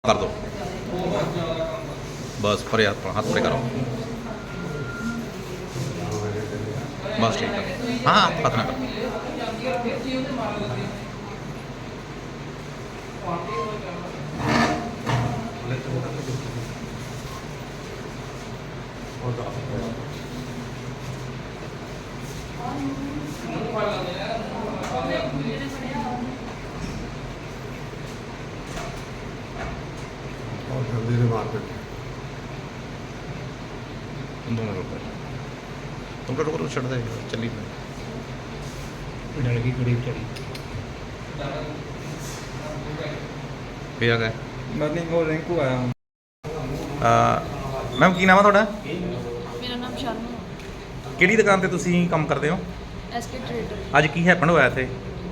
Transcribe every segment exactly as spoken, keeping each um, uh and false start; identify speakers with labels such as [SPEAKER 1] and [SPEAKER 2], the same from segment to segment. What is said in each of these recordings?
[SPEAKER 1] कर दो बस पर हाथ हाथ परे करो बस ठीक है। हाँ हाथ ना करो।
[SPEAKER 2] मार्केट
[SPEAKER 1] दोनों रुपये तुम तो रुको छड़ दे चली
[SPEAKER 3] लड़की कुड़ी चली
[SPEAKER 1] फिर आ गए।
[SPEAKER 3] मैं नहीं वो रिंकू आया हूँ।
[SPEAKER 1] मैम की नाम है ਤੁਹਾਡਾ?
[SPEAKER 4] ਮੇਰਾ ਨਾਮ ਸ਼ਰਮਾ
[SPEAKER 1] ਕਿਹੜੀ ਦੁਕਾਨ ਤੇ ਤੁਸੀਂ ਕੰਮ ਕਰਦੇ ਹੋ?
[SPEAKER 4] SK trader.
[SPEAKER 1] ਅੱਜ ਕੀ ਹੈਪਨ ਹੋਇਆ ਇੱਥੇ?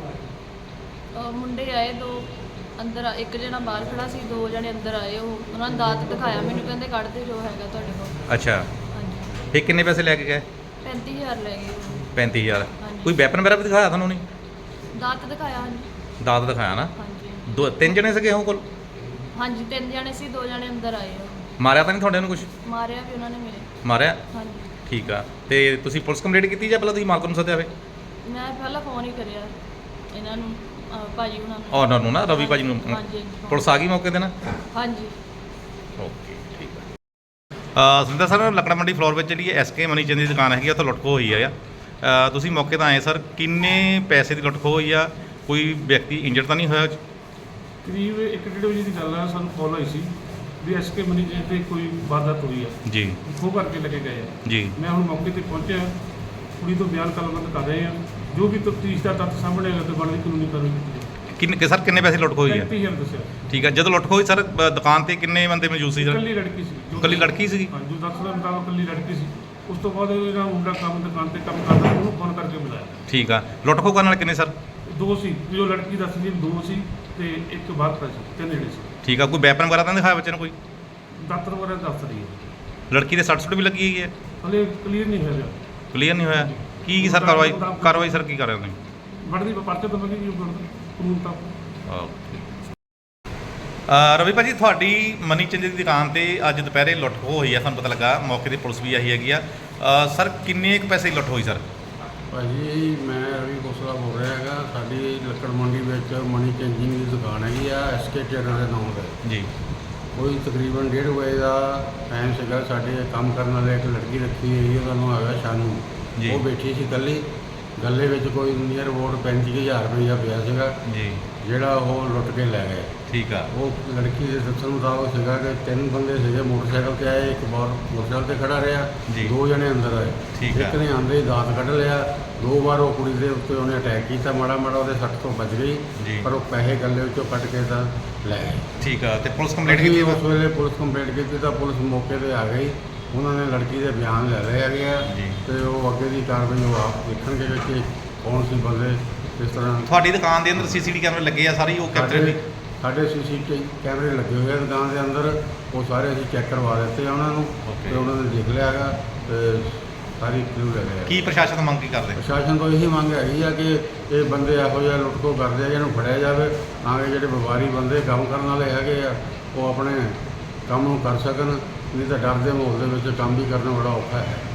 [SPEAKER 4] ਅਹ ਮੁੰਡੇ ਆਏ ਦੋ ਅੰਦਰ ਆ- ਇੱਕ ਜਣਾ ਬਾਹਰ ਖੜਾ ਸੀ, ਦੋ ਜਣੇ ਅੰਦਰ ਆਏ। ਉਹ ਉਹਨਾਂ ਨੇ ਦਾਤ ਦਿਖਾਇਆ ਮੈਨੂੰ, ਕਹਿੰਦੇ ਕੱਢ ਦੇ ਜੋ ਹੈਗਾ ਤੁਹਾਡੇ ਕੋਲ।
[SPEAKER 1] ਅੱਛਾ
[SPEAKER 4] ਹਾਂਜੀ
[SPEAKER 1] ਇਹ ਕਿੰਨੇ ਪੈਸੇ ਲੈ ਕੇ ਗਏ?
[SPEAKER 4] ਪੈਂਤੀ ਹਜ਼ਾਰ ਲੈ ਗਏ ਉਹ।
[SPEAKER 1] ਪੈਂਤੀ ਹਜ਼ਾਰ।
[SPEAKER 4] ਹਾਂਜੀ।
[SPEAKER 1] ਕੋਈ ਵੈਪਨ ਵਗੈਰਾ ਵੀ ਦਿਖਾਇਆ ਤੁਹਾਨੂੰ? ਨਹੀਂ
[SPEAKER 4] ਦਾਤ ਦਿਖਾਇਆ। ਹਾਂਜੀ
[SPEAKER 1] ਦਾਤ ਦਿਖਾਇਆ ਨਾ।
[SPEAKER 4] ਹਾਂਜੀ
[SPEAKER 1] ਦੋ ਤਿੰਨ ਜਣੇ ਸੀਗੇ ਉਹ ਕੋਲ?
[SPEAKER 4] ਹਾਂਜੀ ਤਿੰਨ ਜਣੇ ਸੀ, ਦੋ ਜਣੇ ਅੰਦਰ ਆਏ। ਉਹ
[SPEAKER 1] ਮਾਰਿਆ ਤਾਂ ਨਹੀਂ ਤੁਹਾਡੇ ਨੂੰ ਕੁਝ?
[SPEAKER 4] ਮਾਰਿਆ ਵੀ ਉਹਨਾਂ ਨੇ ਮੇਰੇ।
[SPEAKER 1] ਮਾਰਿਆ?
[SPEAKER 4] ਹਾਂਜੀ
[SPEAKER 1] ਠੀਕ ਆ। ਤੇ ਤੁਸੀਂ ਪੁਲਿਸ ਕੰਪਲੇਂਟ ਕੀਤੀ ਜਾਂ ਪਹਿਲਾਂ ਤੁਸੀਂ ਮਾਲਕ ਨੂੰ ਸੱਦਿਆ ਵੇ?
[SPEAKER 4] ਮੈਂ ਪਹਿਲਾਂ ਫੋਨ ਹੀ ਕਰਿਆ ਇਹਨਾਂ ਨੂੰ, ਅਹ ਭਾਜੀ ਉਹਨਾਂ ਨੂੰ।
[SPEAKER 1] ਉਹਨਾਂ ਨੂੰ ਨਾ ਰਵੀ ਭਾਜੀ ਨੂੰ।
[SPEAKER 4] ਹਾਂਜੀ ਹਾਂਜੀ
[SPEAKER 1] ਪੁਲਿਸ ਆ ਗਈ ਮੌਕੇ ਤੇ ਨਾ?
[SPEAKER 4] ਹਾਂਜੀ
[SPEAKER 1] ਓਕੇ ਠੀਕ ਆ। ਸੁਰਿੰਦਰ ਸਰ ਲੱਕੜਾ ਮੰਡੀ ਫਲੋਰ ਵਿੱਚ ਜਿਹੜੀ ਐਸਕੇ ਮਨੀ ਚੰਦ ਦੀ ਦੁਕਾਨ ਹੈਗੀ ਆ ਉੱਥੇ ਲੁੱਟ ਖੋਹ ਹੋਈ ਆ। ਅ, ਤੁਸੀਂ ਮੌਕੇ 'ਤੇ ਆਏ ਸਰ, ਕਿੰਨੇ ਪੈਸੇ ਦੀ ਲੁੱਟ ਖੋਹ ਹੋਈ ਆ? ਕੋਈ ਵਿਅਕਤੀ ਇੰਜਰਡ ਤਾਂ ਨਹੀਂ ਹੋਇਆ?
[SPEAKER 5] ਕਰੀਬ ਇੱਕ ਡੇਢ ਵਜੇ ਦੀ ਗੱਲ ਆ, ਸਾਨੂੰ ਕਾਲ ਆਈ ਸੀ ਵੀ ਐਸਕੇ ਮਨੀ ਜੀ ਤੇ ਕੋਈ ਵਾਰਦਾਤ ਹੋਈ ਆ,
[SPEAKER 1] ਜੀ
[SPEAKER 5] ਖੋਹ ਕਰਕੇ ਲੱਗੇ ਗਏ ਆ।
[SPEAKER 1] ਜੀ
[SPEAKER 5] ਮੈਂ ਹੁਣ ਮੌਕੇ ਤੇ ਪਹੁੰਚਿਆ, ਕੁੜੀ ਤੋਂ ਬਿਆਨ ਕਲਮਬੰਦ ਕਰ ਰਹੇ ਆ। ਜੋ ਵੀ ਤਫਤੀਸ਼ ਦਾ ਤੱਥ ਸਾਹਮਣੇ ਆਏਗਾ ਤੇ ਬਣਦੀ ਕਾਨੂੰਨੀ ਕਾਰਵਾਈ ਕੀਤੀ ਜਾਏਗੀ।
[SPEAKER 1] ਕਿੰਨੇ ਸਰ ਕਿੰਨੇ ਪੈਸੇ ਲੁੱਟ ਖੋਹ ਹੋਈ ਆ?
[SPEAKER 5] ਪੈਂਤੀ ਹਜ਼ਾਰ ਦੱਸਿਆ।
[SPEAKER 1] ਠੀਕ ਆ। ਜਦੋਂ ਲੁੱਟ ਖੋਹ ਹੋਈ ਸਰ ਬ- ਦੁਕਾਨ ਤੇ ਕਿੰਨੇ ਬੰਦੇ ਮੌਜੂਦ ਸੀ ਸਰ?
[SPEAKER 5] ਇਕੱਲੀ ਲੜਕੀ ਸੀ ਜੋ-
[SPEAKER 1] ਇਕੱਲੀ ਲੜਕੀ ਸੀਗੀ?
[SPEAKER 5] ਹਾਂ, ਜੋ ਦੱਸ ਦਾ ਮੁਤਾਬਕ ਇਕੱਲੀ ਲੜਕੀ ਸੀ। ਉਸ ਤੋਂ ਬਾਅਦ ਇਹਦਾ ਮੁੰਡਾ ਕੰਮ ਦੁਕਾਨ ਤੇ ਕੰਮ ਕਰਦਾ, ਉਹਨੂੰ ਫੋਨ ਕਰਕੇ ਬੁਲਾਇਆ।
[SPEAKER 1] ਠੀਕ ਆ। ਲੁੱਟ ਖੋਹ ਕਰਨ ਵਾਲੇ ਕਿੰਨੇ ਸਰ?
[SPEAKER 5] ਦੋ ਸੀ, ਜੋ ਲੜਕੀ ਦੱਸਦੀ ਦੋ ਸੀ ਤੇ ਇੱਕ ਬਾਹਰ ਖੜਾ ਸੀ, ਤਿੰਨ ਜਿਹੜੇ ਸੀ।
[SPEAKER 1] ਠੀਕ ਆ। ਕੋਈ ਵੈਪਨ ਵਗੈਰਾ ਤਾਂ ਨਹੀਂ ਦਿਖਾਇਆ ਬੱਚੇ ਨੂੰ ਕੋਈ?
[SPEAKER 5] ਦਾਤਰ ਵਗੈਰਾ ਦੱਸ ਰਹੀ ਹੈ।
[SPEAKER 1] ਲੜਕੀ ਦੇ ਸੱਟ ਸੁੱਟ ਵੀ ਲੱਗੀ ਹੈਗੀ ਹੈ?
[SPEAKER 5] ਹਲੇ ਕਲੀਅਰ ਨਹੀਂ ਹੋਇਆ।
[SPEAKER 1] ਕਲੀਅਰ ਨਹੀਂ ਹੋਇਆ? ਕੀ ਸਰ ਕਾਰਵਾਈ ਕਾਰਵਾਈ ਸਰ ਕੀ ਕਰ ਰਹੇ ਹੋ ਤੁਸੀਂ?
[SPEAKER 5] ਬਣਦੀ ਪਰਚੇ ਤੋਂ ਮੰਗੀ ਜੀ ਕਾਨੂੰਨ ਤਾਂ।
[SPEAKER 1] ਓਕੇ। ਅ, ਰਵੀ ਭਾਜੀ ਤੁਹਾਡੀ ਮਨੀ ਚੰਦ ਦੀ ਦੁਕਾਨ ਤੇ ਅੱਜ ਦੁਪਹਿਰੇ ਲੁੱਟ ਖੋਹ ਹੋਈ ਆ, ਸਾਨੂੰ ਪਤਾ ਲੱਗਾ। ਮੌਕੇ ਤੇ ਪੁਲਿਸ ਵੀ ਆਈ ਹੈਗੀ ਆ। ਅ, ਸਰ ਕਿੰਨੇ ਕੁ ਪੈਸੇ ਦੀ ਲੁੱਟ ਹੋਈ ਸਰ?
[SPEAKER 2] ਭਾਜੀ ਮੈਂ ਰਵੀ ਕੋਸਲਾ ਬੋਲ ਰਿਹਾ ਹੈਗਾ। ਸਾਡੀ ਲੱਕੜ ਮੰਡੀ ਵਿੱਚ ਮਨੀ ਚੇਂਜਿੰਗ ਦੀ ਦੁਕਾਨ ਹੈਗੀ ਆ, ਐਸਕੇ ਟ੍ਰੇਡਰ ਦੇ ਨਾਮ ਤੇ।
[SPEAKER 1] ਜੀ
[SPEAKER 2] ਕੋਈ ਤਕਰੀਬਨ ਡੇਢ ਵਜੇ ਦਾ ਟਾਈਮ ਸੀਗਾ। ਸਾਡੇ ਕੰਮ ਕਰਨ ਵਾਲੇ ਇੱਕ ਲੜਕੀ ਰੱਖੀ ਹੋਈ, ਉਹਦਾ ਨਾਮ ਹੈਗਾ ਸ਼ਾਨੂ।
[SPEAKER 1] ਜੀ।
[SPEAKER 2] ਉਹ ਬੈਠੀ ਸੀ ਇਕੱਲੀ। ਗੱਲੇ ਵਿੱਚ ਕੋਈ ਨੀਅਰ ਅਬਾਊਟ ਪੈਂਤੀ ਕੁ ਹਜ਼ਾਰ ਰੁਪਈਆ ਪਿਆ ਸੀਗਾ,
[SPEAKER 1] ਜੀ
[SPEAKER 2] ਜਿਹੜਾ ਉਹ ਲੁੱਟ ਕੇ ਲੈ ਗਏ।
[SPEAKER 1] ਠੀਕ ਆ।
[SPEAKER 2] ਉਹ ਲੜਕੀ ਦੇ ਦੱਸਣ ਮੁਤਾਬਕ ਸੀਗਾ ਕਿ ਤਿੰਨ ਬੰਦੇ ਸੀਗੇ, ਮੋਟਰਸਾਈਕਲ ਤੇ ਆਏ, ਇੱਕ ਬਾਹਰ ਮੋਟਰਸਾਈਕਲ ਤੇ ਖੜਾ ਰਿਹਾ,
[SPEAKER 1] ਜੀ।
[SPEAKER 2] ਦੋ ਜਣੇ ਅੰਦਰ ਆਏ।
[SPEAKER 1] ਠੀਕ ਆ।
[SPEAKER 2] ਇੱਕ ਨੇ ਆਂਦੇ ਹੀ ਦਾਤ ਕੱਢ ਲਿਆ। ਦੋ ਵਾਰ ਉਹ ਕੁੜੀ ਦੇ ਉੱਤੇ ਉਹਨੇ ਅਟੈਕ ਕੀਤਾ, ਮਾੜਾ ਮਾੜਾ ਉਹਦੇ ਸੱਟ ਤੋਂ ਬਚ
[SPEAKER 1] ਜੀ।
[SPEAKER 2] ਗਈ, ਪਰ ਉਹ ਪੈਸੇ ਗੱਲੇ ਵਿੱਚੋਂ ਕੱਢ ਕੇ ਤਾਂ ਲੈ ਗਏ।
[SPEAKER 1] ਠੀਕ ਆ। ਤੇ ਪੁਲਿਸ ਕੰਪਲੇਂਟ
[SPEAKER 2] ਅਸੀਂ
[SPEAKER 1] ਕੀਤੀ
[SPEAKER 2] ਉਸ ਵੇਲੇ ਪੁਲਿਸ ਕੰਪਲੇਂਟ ਕੀਤੀ ਤਾਂ ਪੁਲਿਸ ਮੌਕੇ ਤੇ ਆ ਗਈ। ਉਹਨਾਂ ਨੇ ਲੜਕੀ ਦੇ ਬਿਆਨ ਲੈ ਲਏ ਹੈਗੇ ਆ
[SPEAKER 1] ਜੀ।
[SPEAKER 2] ਤੇ ਉਹ ਅੱਗੇ ਦੀ ਕਾਰਵਾਈ ਉਹ ਆਪ ਦੇਖਣਗੇ ਕਿ ਕੌਣ ਸੀ ਬੰਦੇ ਇਸ ਤਰ੍ਹਾਂ।
[SPEAKER 1] ਤੁਹਾਡੀ ਦੁਕਾਨ ਦੇ ਅੰਦਰ ਸੀਸੀਟੀਵੀ ਕੈਮਰੇ ਲੱਗੇ ਆ ਸਾਰੇ, ਉਹ ਕੈਪਚਰ
[SPEAKER 2] ਸਾਡੇ
[SPEAKER 1] ਵੀ?
[SPEAKER 2] ਸਾਡੇ ਸੀਸੀਟੀਵੀ ਕੈਮਰੇ ਲੱਗੇ ਹੋਏ ਆ ਦੁਕਾਨ ਦੇ ਅੰਦਰ, ਉਹ ਸਾਰੇ ਅਸੀਂ ਚੈੱਕ ਕਰਵਾ ਦਿੱਤੇ ਆ ਉਹਨਾਂ ਨੂੰ
[SPEAKER 1] Okay.
[SPEAKER 2] ਤੇ ਉਹਨਾਂ ਨੇ ਦੇਖ ਲਿਆ ਹੈਗਾ ਤੇ ਸਾਰੀ ਕਲੂ ਲੈ ਲਿਆ।
[SPEAKER 1] ਕੀ ਪ੍ਰਸ਼ਾਸਨ ਤੋਂ ਮੰਗ ਕੀ ਕਰਦੇ?
[SPEAKER 2] ਪ੍ਰਸ਼ਾਸਨ ਤੋਂ ਇਹੀ ਮੰਗ ਹੈਗੀ ਆ ਕਿ ਇਹ ਬੰਦੇ ਇਹੋ ਜਿਹਾ ਲੁੱਟ ਖੋਹ ਕਰਦੇ ਆ, ਇਹਨੂੰ ਫੜਿਆ ਜਾਵੇ ਤਾਂ ਕਿ ਜਿਹੜੇ ਵਪਾਰੀ ਬੰਦੇ ਕੰਮ ਕਰਨ ਵਾਲੇ ਹੈਗੇ ਆ ਉਹ ਆਪਣੇ ਕੰਮ ਨੂੰ ਕਰ ਸਕਣ। ਨਹੀਂ ਤਾਂ ਡਰ ਦੇ ਮਾਹੌਲ ਦੇ ਵਿੱਚ ਕੰਮ ਵੀ ਕਰਨਾ ਬੜਾ ਔਖਾ ਹੈ।